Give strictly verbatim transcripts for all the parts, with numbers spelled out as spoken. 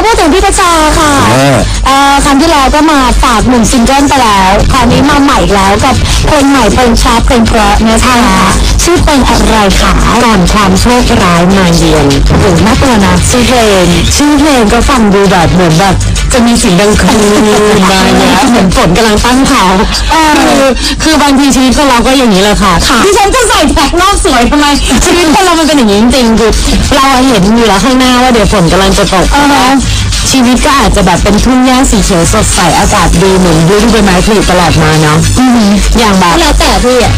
พูดถึงพี่กระจาค่ะเอ่อครั้งที่แล้วก็มาฝากหนึ่งซิงเกิลไปแล้วคราวนี้มาใหม่อีกแล้วกับเพลงใหม่เพลงชาร์ปเพลงเพราะเนี่ยค่ะชื่อเพลงอะไรคะก่อนความโชคร้ายมาเยือนโอ้โหน่ากลัวนะชื่อเพลงชื่อเพลงก็ฟังดูแบบเหมือนแบบจะมีเสียงดังคลืนมาเนี่ยเหมือนฝนกำลังตั้งเขาคือคือบางทีชีวิตของเราก็อย่างนี้เลยค่ะที่ฉันจะใส่แท็กนอกสวยทำไมชีวิตคนเรามันเป็นอย่างนี้จริงๆคือเราเห็นอยู่แล้วข้างหน้าว่าเดี๋ยวฝนกำลังจะตกชีวิตก็อาจจะแบบเป็นทุ่งหญ้าสีเขียวสดใสอากาศดีเหมือนฤดูใบไม้ผลิตลอดมาเนาะอย่างแบบแล้วแต่พี่อ่ะ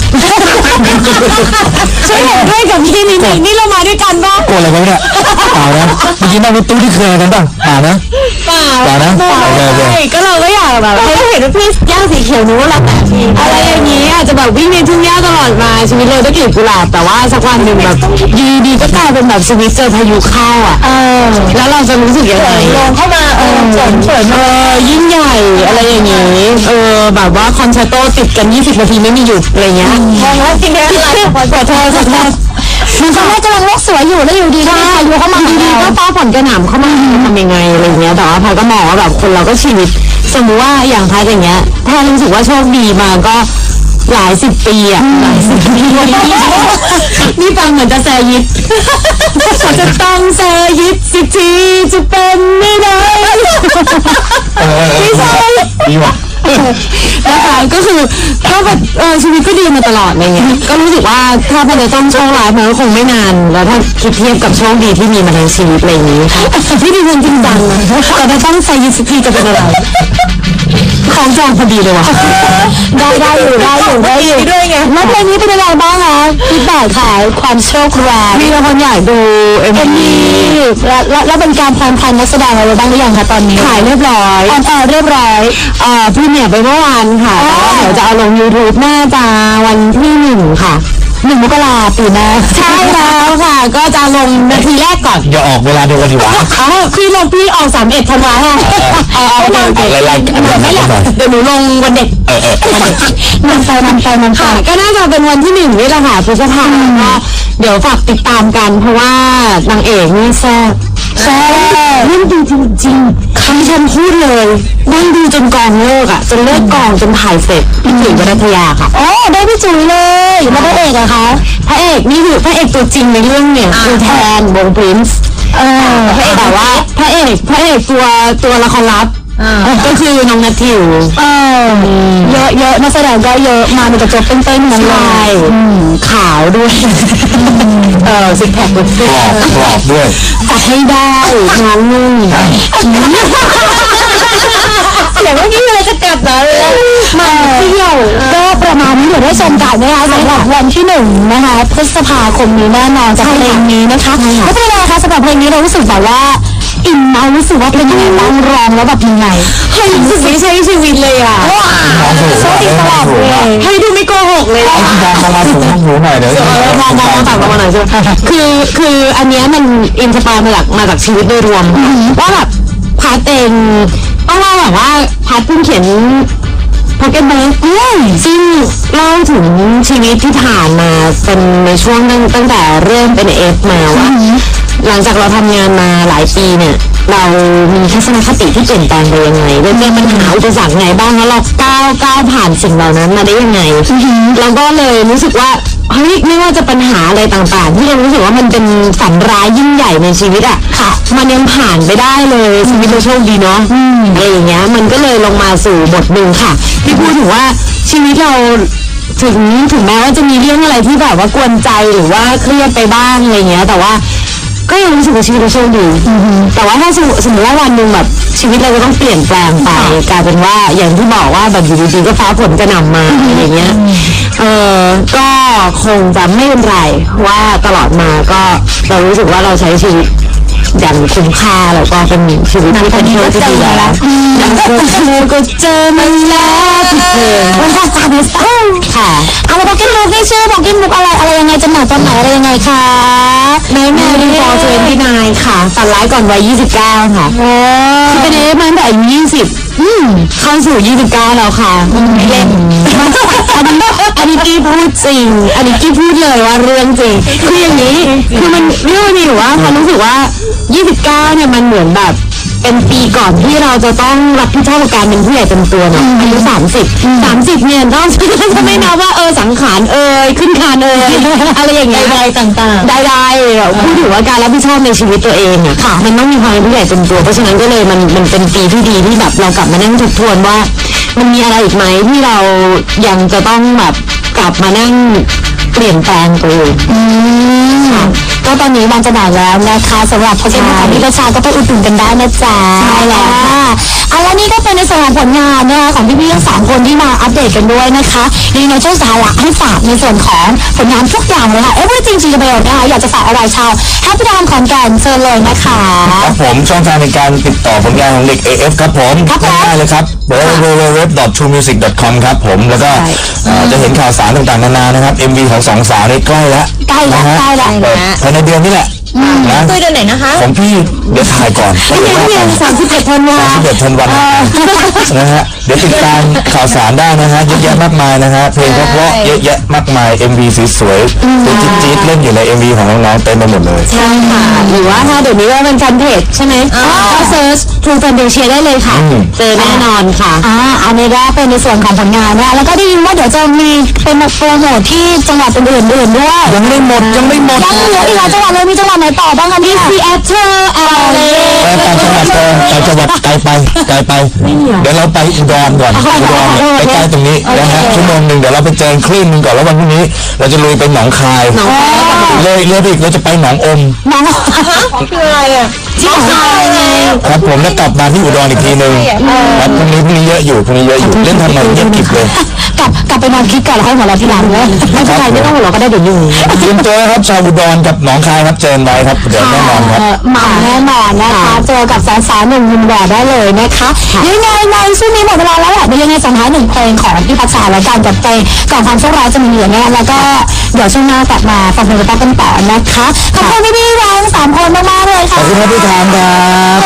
ช่วยเห็นด้วยกับพี่นี่นี่เรามาด้วยกันป่ะโกรธอะไรกันเนี่ยเปล่านะเมื่อกี้นั่งรถตู้ที่เคยกันป่ะเปล่านะเปล่าเปล่านะใช่ก็เราก็อยากแบบเราเห็นว่าพี่หญ้าสีเขียวนู้นแล้วแต่พี่อะไรอย่างนี้อาจจะแบบวิ่งในทุ่งหญ้าตลอดมาชีวิตเราได้กลิ่นกุหลาบแต่ว่าสักวันหนึ่งแบบดีดีก็กลายเป็นแบบชีวิตเจอพายุเข้าอ่ะแล้วเราจะรู้สึกยังไงลงเข้ามาเออฝนฝนเออยิ่งใหญ่อะไรอย่างนี้เออแบบว่าคอนแชร์โตติดกันยี่สิบนาทีไม่มีหยุดอะไรเงี้ยมองว่าจริงๆอะไรขอโทษขอโทษมันตอนแรกกำลังโลกสวยอยู่แล้วอยู่ดีก็พายุเข้ามาดีๆก็ฟ้าฝนกระหน่ำเข้ามาทำยังไงอะไรเงี้ยแต่ว่าพาก็มองว่าแบบคนเราก็ชีวิตสมมติว่าอย่างพาอย่างเงี้ยถ้ารู้สึกว่าโชคดีมาก็หลายสิบปีอ่ะหลายสิบปีนี่ฟังเหมือนจะแซยิดเขาจะต้องแซยิดสิทีจะเป็นไม่ได้ไม่ใช่ดีว่ะนะคะก็คือก็แบบเออชีวิตก็ดีมาตลอดอะไรเงี้ยก็รู้สึกว่าถ้ามันจะต้องโชคร้ายมันก็คงไม่นานแล้วถ้าคิดเทียบกับโชคดีที่มีมาในชีวิตอะไรอย่างนี้ที่ดีจริงจังนะแต่ถ้าต้องแซยิดสิทีจะเป็นอะไรของจองพอดีเลยว่ะได้ได้อยู่ได้อยู่ได้อยู่ด้วยไงแล้วเพลงนี้เป็นยังไงบ้างคะฟีดแบ็กขายความโชคร้ายมีคนอยากดูเอ็มวีแล้วแล้วเป็นการแพลนนักแสดงอะไรบ้างหรือยังคะตอนนี้ขายเรียบร้อยออนแอร์เรียบร้อยเอ่อพรีเมียร์ไปเมื่อวานค่ะเดี๋ยวจะเอาลง YouTube น่าจะวันที่หนึ่งค่ะหนึ่งมกราปีหน้าใช่แล้วค่ะก็จะลงนาทีแรกก่อนอย่าออกเวลาเดียวกันดีวะพี่ลงพี่ออกสามเอ็ดธันวาคมเอาเอาเอาอะไรอะไรอันนั้นไม่ได้เดี๋ยวหนูลงวันเด็กมันไปมันไปมันไปก็น่าจะเป็นวันที่หนึ่งนี่แหละค่ะพฤษภาคมก็เดี๋ยวฝากติดตามกันเพราะว่านางเอกนี่แซ่บแซ่บเล่นดีจริงๆคำฉันพูดเลยนั่งดูจนกองเลิกอ่ะจนเลิกกองจนถ่ายเสร็จพี่จุ๋ยวรัตยาค่ะอ๋อได้พี่จุ๋ยเลยแล้วพระเอกอะคะพระเอกนี่คือพระเอกตัวจริงในเรื่องเนี่ยคือแทนวงพรินซ์เออแต่ว่าพระเอกพระเอกตัวตัวละครลับก็คือน้องนัททิวเออเยอะเยอะนักแสดงก็เยอะมาเป็นกระจกเต้นๆนั่นเลยขาวด้วยเออซิกแพคด้วยกรอบกรอบด้วยจัดให้ได้น้องนุ่นเสียงเมื่อกี้อะไรจะกลับเหรอมาเที่ยวก็ประมาณนี้เดี๋ยวได้ชมกันนะคะสำหรับวันที่หนึ่งนะคะพฤษภาคมนี้แน่นอนจากเพลงนี้นะคะไม่เป็นไรคะสำหรับเพลงนี้เรารู้สึกแบบว่าอินเรารู้สึกว่าเป็นยังไงบ้างร้องแล้วแบบยังไงเฮ้ยรู้สึกไม่ใช่ชีวิตเลยอ่ะโชคดีตลอดเลยเฮ้ยดูไม่โกหกเลยเอาที่มองมาสูงหูหน่อยเดี๋ยวมองมองต่างกันมาหน่อยใช่ไหมคือคืออันนี้มันอินสปายมาจากมาจากชีวิตโดยรวมว่าแบบพาร์ทเองต้องเล่าแบบว่าพาร์ทเพิ่งเขียนพ็อกเก็ตบุ๊กซึ่งเล่าถึงชีวิตที่ผ่านมาเป็นในช่วงตั้งตั้งแต่เริ่มเป็นเอฟมาว่าหลังจากเราทำงานมาหลายปีเนี่ยเรามีทัศนคติที่เปลี่ยนแปลงไปยังไงเราเจอปัญหาอุปสรรคไงบ้างแล้วเราก้าวก้าวผ่านสิ่งเหล่านั้นมาได้ยังไงเราก็เลยรู้สึกว่าเฮ้ยไม่ว่าจะปัญหาอะไรต่างๆที่เรารู้สึกว่ามันเป็นฝันร้ายยิ่งใหญ่ในชีวิตอ่ะค่ะมันยังผ่านไปได้เลยชีวิตเราโชคดีเนาะอะไรอย่างเงี้ยมันก็เลยลงมาสู่บทหนึ่งค่ะที่พูดถึงว่าชีวิตเราถึงถึงแม้ว่าจะมีเรื่องอะไรที่แบบว่ากวนใจหรือว่าเครียดไปบ้างอะไรเงี้ยแต่ว่าก็ยังรู้สึกว่าชีวิตเราโชคดีแต่ว่าถ้าสมมติว่าวันหนึ่งแบบชีวิตเราจะต้องเปลี่ยนแปลงไปกลายเป็นว่าอย่างที่บอกว่าแบบอยู่ดีๆก็ฟ้าฝนกระหน่ำมาอะไรเงี้ยเออก็คงจะไม่เป็นไรว่าตลอดมาก็เรารู้สึกว่าเราใช้ชีวิตอย่างคุ้มค่าแล้วก็เป็นชีวิตที่เป็นเรื่องที่ดีแล้วอย่างเธอก็เจอมันแล้วที่เธอวันที่สามสิบค่ะเอามาบอกกินมุกได้ชื่อบอกกินมุกอะไรอะไรยังไงจำหน่ายตอนไหนอะไรยังไงคะในแมรี่ฟอร์เทนที่นายค่ะฝันร้ายก่อนวัยยี่สิบเก้าค่ะคือเป็นเอฟมาตั้งแต่อายุยี่สิบเข้าสู่ยี่สิบเก้าแล้วค่ะเล่นอันนี้อันนี้กี้พูดจริงอันนี้กี้พูดเลยว่าเรื่องจริงคืออย่างนี้คือมันเรื่องมันมีอยู่ว่าความรู้สึกว่ายี่สิบเก้าเนี่ยมันเหมือนแบบเป็นปีก่อนที่เราจะต้องรับผิดชอบกับการเป็นผู้ใหญ่เต็มตัวเนาะอายุสามสิบสามสิบเนี่ยต้องจะไม่นับว่าเออสังขารเอ่ยขึ้นคานเอ่ยอะไรอย่างเงี้ยใดๆต่างๆได้ได้พูดถึงว่าการรับผิดชอบในชีวิตตัวเองอะค่ะ มันต้องมีความเป็นผู้ใหญ่เต็มตัวเพราะฉะนั้นก็เลยมันมันเป็นปีที่ดีที่แบบเรากลับมานั่งทบทวนว่า มันมีอะไรอีกไหมที่เรายังจะต้องแบบกลับมานั่งเปลี่ยนแปลงตัวเองก็ตอนนี้วันจะหนาวแล้วนะคะสำหรับโปรเจกต์ของพี่ประชาก็ไปอุดหนุนกันได้นะจ๊ะใช่แล้วค่ะเอาละนี่ก็เป็นในส่วนของผลงานนะคะของพี่ๆทั้งสามคนที่มาอัปเดตกันด้วยนะคะยังไงช่วงสาระให้ฝากในส่วนของผลงานทุกอย่างเลยค่ะ Everything จริงๆเลยนะคะอยากจะฝากอะไรชาวแฮปปี้ดามขอนแก่นเชิญเลยนะคะครับผมช่องทางในการติดต่อผลงานของเด็ก เอ เอฟ ครับผมครับผมง่ายๆเลยครับ ดับเบิลยู ดับเบิลยู ดับเบิลยู ดอท ทรู มิวสิก ดอท คอม ครับผมแล้วก็เอ่อจะเห็นข่าวสารต่างๆนานานะครับ เอ็ม วี ของสองสาวนี่ใกล้แล้วใกล้แล้วนะฮะใกล้แล้วเปิดภายในเดือนนี้แหละนะคุยเดือนไหนนะคะของพี่เดี๋ยวถ่ายก่อนไม่ใช่เพียงสามสิบเอ็ดธันวาสามสิบเอ็ดธันวาคมนะฮะเดี๋ยวติดตามข่าวสารได้นะฮะเยอะแยะมากมายนะฮะเพลงเพราะๆเยอะแยะมากมาย เอ็ม วี สวยๆตัวจี๊ดๆเล่นอยู่ใน เอ็ม วี ของน้องๆเต็มไปหมดเลยใช่ค่ะหรือว่าถ้าเดี๋ยวนี้ว่าเป็นแฟนเพจใช่ไหมก็เซิร์ช True Fantasia ได้เลยค่ะ เจอแน่นอนค่ะอ่าอันนี้ก็เป็นในส่วนของผลงานนะคะแล้วก็ได้ยินว่าเดี๋ยวจะมีเป็นมาโปรโมทที่จังหวัดอื่นๆด้วยยังไม่หมดยังไม่หมดยังเหลืออีกหลายจังหวัดเลยมีจังหวัดไหนต่อบ้างคะเนี่ยซีแอตเทิลแอลเอไปต่างจังหวัดไปต่างจังหวัดไกลไปไกลไป เดี๋ยวเราไปอุดรก่อนอุดรเนี่ยใกล้ๆตรงนี้นะฮะชั่วโมงหนึ่งเดี๋ยวเราไปเจอคลื่นหนึ่งก่อนแล้ววันพรุ่งนี้ เราจะลุยไปหนองคายเลยเลยไปอีกเราจะไปหนองอมน้องคืออะไรอ่ะที่ไหนครับผมแล้วกลับมาที่อุดรอีกทีหนึ่งครับพรุ่งนี้พรุ่งนี้เยอะอยู่พรุ่งนี้เยอะอยู่เล่นทำไมเงียบกริบเลยกลับกลับไปนอนคิดก่อนแล้วค่อยหัวเราะทีหลังเลยไม่เป็นไรไม่ต้องหัวเราะก็ได้เดี๋ยวอยู่เตรียมตัวนะครับชาวอุดรกับหนองคายครับเจอกันไว้ครับเดี๋ยวแน่นอนครับมาแน่นอนนะคะเจอกับสาวสาวหนุ่มยินแหวนได้เลยนะคะยังไงในช่วงนี้หมดเวลาแล้วแหละเดี๋ยวยังไงส่งท้ายหนึ่งเพลงของพี่พัชชาแล้วกันกับเพลงก่อนความโชคร้ายจะมีเหลือเนี่ยแล้วก็เดี๋ยวช่วงหน้ากลับมาฟังเพลงกันต่อนะคะขอบคุณพี่ๆทั้งสามคนมากๆเลยขค่ะอบคุณครับพี่ทามครับ